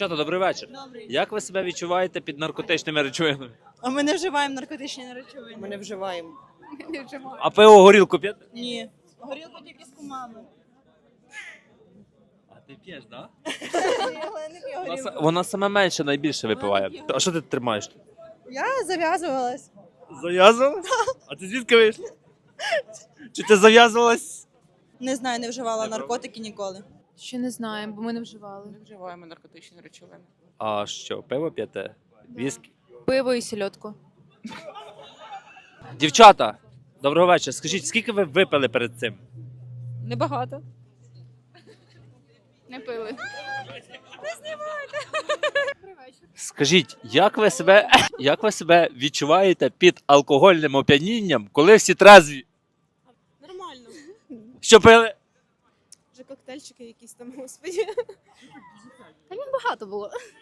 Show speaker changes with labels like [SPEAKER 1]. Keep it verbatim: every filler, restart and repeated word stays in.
[SPEAKER 1] Дівчата, добрий вечір.
[SPEAKER 2] Добрий.
[SPEAKER 1] Як ви себе відчуваєте під наркотичними речовинами?
[SPEAKER 2] А ми не вживаємо наркотичні речовини.
[SPEAKER 3] Ми не вживаємо.
[SPEAKER 2] не вживаємо.
[SPEAKER 1] А пиво горілку п'єте?
[SPEAKER 2] Ні. Горілку тільки з кумами.
[SPEAKER 1] А ти п'єш, так?
[SPEAKER 2] Але не п'ю
[SPEAKER 1] Вона,
[SPEAKER 2] горілку.
[SPEAKER 1] вона саме менше найбільше випиває. А що ти тримаєш?
[SPEAKER 2] Я зав'язувалась.
[SPEAKER 1] Зав'язувалась? А ти звідки вийшла? Чи ти зав'язувалась?
[SPEAKER 2] Не знаю, не вживала
[SPEAKER 1] Не
[SPEAKER 2] наркотики ніколи.
[SPEAKER 4] Ще не знаємо, бо ми не вживали.
[SPEAKER 3] Не вживаємо наркотичні речовини.
[SPEAKER 1] А що, пиво п'єте? Віскі?
[SPEAKER 4] Пиво і сільотку.
[SPEAKER 1] Дівчата, доброго вечора. Скажіть, скільки ви випили перед цим?
[SPEAKER 4] Небагато. Не пили.
[SPEAKER 1] Скажіть, як ви себе, як ви себе відчуваєте під алкогольним оп'янінням, коли всі трезві?
[SPEAKER 5] Нормально.
[SPEAKER 1] Що пили?
[SPEAKER 5] Вже коктейльчики якісь там, господі.
[SPEAKER 4] Багато було.